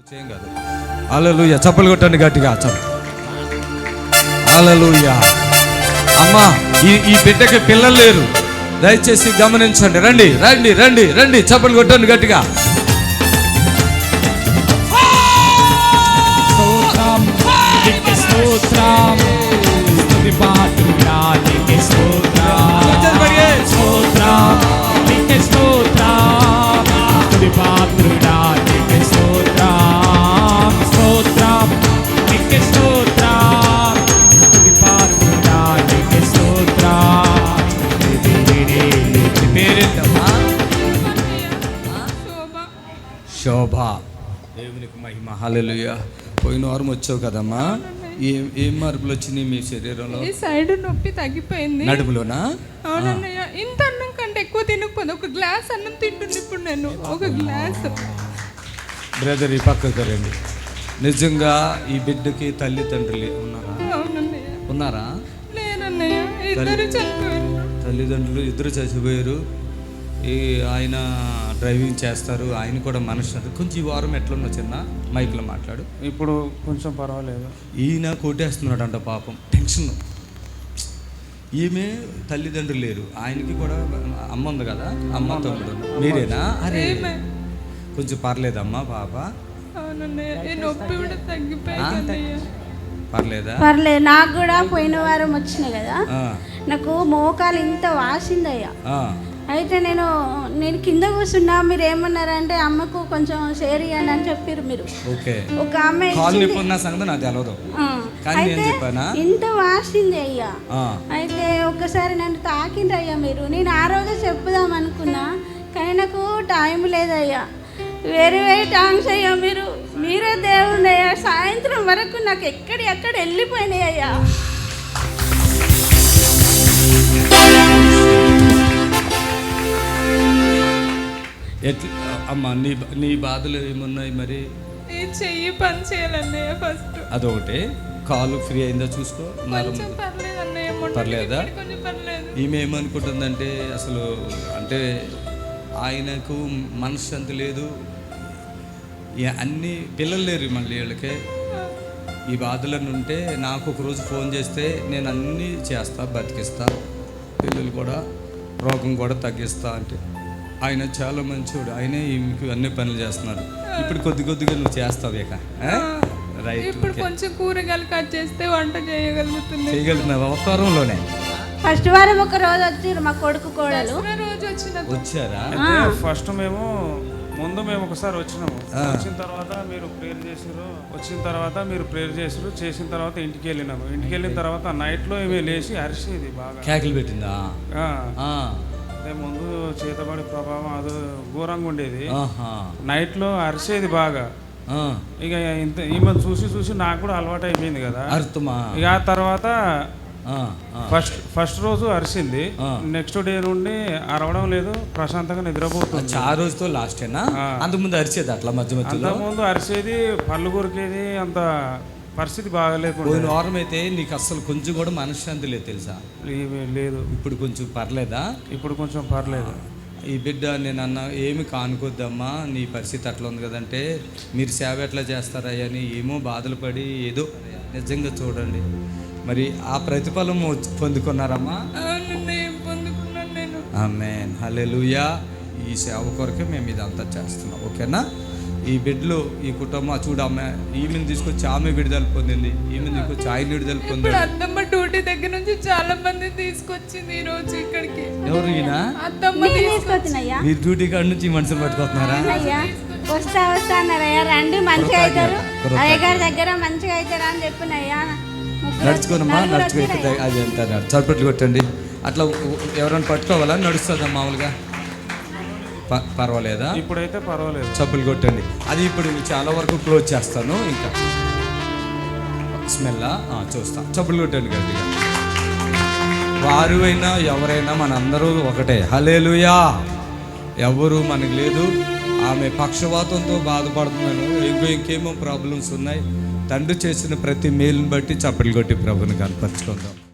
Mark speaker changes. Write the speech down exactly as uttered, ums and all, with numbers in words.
Speaker 1: ఏం కాదు. హల్లెలూయా, చప్పలు కొట్టండి గట్టిగా. హల్లెలూయా. అమ్మా, ఈ ఈ బిడ్డకి పిల్లలు లేరు, దయచేసి గమనించండి. రండి రండి రండి రండి, చప్పలు కొట్టండి గట్టిగా. శోభ, దేవునికి మహిమ. హల్లెలూయా. పోయిన వారం వచ్చావు కదమ్మా, ఏం ఏం మార్పులు వచ్చినాయి మీ శరీరంలో?
Speaker 2: ఈ సైడ్ నొప్పి తగ్గిపోయింది.
Speaker 1: నడుములోనా?
Speaker 2: అవునన్నయ్య. ఇంత అన్నం కంటే ఎక్కువ తినకపోతే ఒక గ్లాస్ అన్నం తింటుంది ఇప్పుడు నేను. ఒక గ్లాస్.
Speaker 1: బ్రదర్ ఈ పక్కకు రండి. నిజంగా ఈ బిడ్డకి తల్లి తండ్రులు ఉన్నారా?
Speaker 2: అవునన్నయ్య.
Speaker 1: ఉన్నారా?
Speaker 2: లేనన్నయ్య, ఇద్దరు చనిపోయారు.
Speaker 1: తల్లిదండ్రులు ఇద్దరు చచ్చిపోయారు. ఈ ఆయన డ్రైవింగ్ చేస్తారు, ఆయన కూడా మనసు. కొంచెం ఈ వారం ఎట్లున్నా చిన్న మైక్లో మాట్లాడు.
Speaker 3: ఇప్పుడు కొంచెం పర్వాలేదు.
Speaker 1: ఈయన కొట్టేస్తున్నాడు అంట పాపం, టెన్షన్. ఈమె తల్లిదండ్రులు లేరు, ఆయనకి కూడా అమ్మ ఉంది కదా, అమ్మ తమ్ముడు. మీరేనా? అరే కొంచెం పర్లేదమ్మా పాప?
Speaker 2: నొప్పి కూడా తగ్గిపోయింది.
Speaker 1: పర్లేదా?
Speaker 4: పర్లేదు. నాకు కూడా పోయిన వారం వచ్చినాయి కదా, నాకు మోకాలు ఇంత వాసిందయ్యా. అయితే నేను నేను కింద కూర్చున్నా, మీరు ఏమన్నారంటే అమ్మకు కొంచెం షేర్ ఇవ్వండి అని చెప్పారు మీరు. ఒక ఆమె ఇంత వాసింది అయ్యా. అయితే ఒక్కసారి నన్ను తాకిండ్రు అయ్యా మీరు. నేను ఆ రోజు చెప్పుదాం అనుకున్నా, కానీ నాకు టైం లేదయ్యా. వేరే వేరే థాంక్స్ అయ్యా. మీరు మీరే దేవుడు అయ్యా. సాయంత్రం వరకు నాకు ఎక్కడి ఎక్కడ వెళ్ళిపోయినాయి అయ్యా.
Speaker 1: ఎట్లా అమ్మా, నీ నీ బాధలు ఏమున్నాయి మరి?
Speaker 2: ఈ చెయ్యి పని చేయాలన్నయ్య ఫస్ట్.
Speaker 1: అదొకటి. కాలు ఫ్రీ అయిందా చూసుకో. పర్లేదా? ఈమె ఏమనుకుంటుందంటే అసలు అంటే ఆయనకు మనశ్శాంతి లేదు, అన్ని పిల్లలు లేరు మళ్ళీ వీళ్ళకే. ఈ బాధలను ఉంటే నాకు ఒక రోజు ఫోన్ చేస్తే నేను అన్నీ చేస్తా, బతికిస్తా, పిల్లలు కూడా రోగం కూడా తగ్గిస్తా అంటే ఆయన చాలా మంచివాడు. ఆయనే మీకు అన్ని పనులు చేస్తున్నారు. ఇప్పుడు కొద్ది కొద్దిగా నువ్వు చేస్తావు ఇక. రైట్.
Speaker 2: ఇప్పుడు కొంచెం కూరగాయలు కట్ చేస్తే వంట చేయగలుగుతుంది.
Speaker 1: చేయగలుగుతున్నావా? ఒక్క వారంలోనే?
Speaker 4: ఫస్ట్ వారం ఒక రోజు వచ్చారు మా కొడుకు కోడలు.
Speaker 2: రోజు వచ్చిన
Speaker 1: వచ్చారా?
Speaker 3: ఫస్ట్ మేము ముందు మేము ఒకసారి వచ్చినాము. వచ్చిన తర్వాత మీరు ప్రేయర్ చేసారు. వచ్చిన తర్వాత మీరు ప్రేయర్ చేసారు. చేసిన తర్వాత ఇంటికి వెళ్ళినాము. ఇంటికి వెళ్ళిన తర్వాత నైట్లో ఏమి లేచి అరిసేది బాగా, కేకలు
Speaker 1: పెట్టిందా?
Speaker 3: ముందు చేతబడి ప్రభావం అది ఘోరంగా ఉండేది. నైట్లో అరిసేది బాగా. ఇక ఇంత ఈమె చూసి చూసి నాకు కూడా అలవాటు అయిపోయింది కదా. ఇక ఆ తర్వాత ఫస్ట్ ఫస్ట్ రోజు అరిసింది. నెక్స్ట్ డే నుండి అరవడం లేదు, ప్రశాంతంగా నిద్రపోతుంది.
Speaker 1: ఆ రోజుతో లాస్ట్ అంతకుముందు అరిసేది అట్లా మధ్య మధ్య
Speaker 3: అంతకుముందు అరిసేది, పళ్ళు కొరికేది, అంత పరిస్థితి బాగాలేకుండా.
Speaker 1: పోయిన వారం అయితే నీకు అసలు కొంచెం కూడా మనశ్శాంతి లేదు తెలుసా?
Speaker 3: లేదు.
Speaker 1: ఇప్పుడు కొంచెం పర్లేదా?
Speaker 3: ఇప్పుడు కొంచెం పర్లేదు.
Speaker 1: ఈ బిడ్డ నేను అన్న ఏమి కానుకోద్దమ్మా, నీ పరిస్థితి అట్లా ఉంది కదంటే మీరు సేవ ఎట్లా చేస్తారా అని ఏమో బాధలు పడి ఏదో నిజంగా చూడండి మరి ఆ ప్రతిఫలం పొందుకున్నారమ్మా? ఆమేన్, హల్లెలూయా. ఈ సేవ కొరకే మేము ఇదంతా చేస్తున్నాం. ఓకేనా? ఈ బిడ్డలు ఈ కుటుంబం చూడు, అమ్మ ఈమెను తీసుకొచ్చి ఆమె విడుదల పొందింది, ఈమె తీసుకొచ్చి ఆయన విడుదల పొందింది.
Speaker 2: అత్తమ్మ డ్యూటీ దగ్గర నుంచి చాలా మంది తీసుకొచ్చింది ఈ రోజు ఇక్కడికి.
Speaker 1: ఎవరు? ఈయన
Speaker 4: అత్తమ్మ తీసుకొచ్చినయ్యా.
Speaker 1: మీరు డ్యూటీ కాడ నుంచి మనుషులు పట్టుకొస్తున్నారా?
Speaker 4: వస్తా వస్తా అన్నారయ్యా. రండి మంచిగా అవుతారు, అయ్యగారి దగ్గర మంచిగా అవుతారా అని చెప్పినయ్యా.
Speaker 1: నడుచుకోనమ్మా, నడుచుకో. అది ఎంత చప్పట్లు కొట్టండి. అట్లా ఎవరైనా పట్టుకోవాలా? నడుస్తుందా మామూలుగా? పర్వాలేదా?
Speaker 3: ఇప్పుడైతే పర్వాలేదు.
Speaker 1: చప్పులు కొట్టండి. అది ఇప్పుడు చాలా వరకు క్లోజ్ చేస్తాను. ఇంకా స్మెల్ చూస్తా. చప్పులు కొట్టండి గట్టిగా. వారు అయినా ఎవరైనా మనందరూ ఒకటే. హల్లెలూయా. ఎవరు మనకు లేదు. ఆమె పక్షవాతంతో బాధపడుతున్నాను, ఇంకో ఇంకేమో ప్రాబ్లమ్స్ ఉన్నాయి. తండ్రి చేసిన ప్రతి మేలుని బట్టి చప్పట్లు కొట్టి ప్రభుని కనపరుచుకుందాం.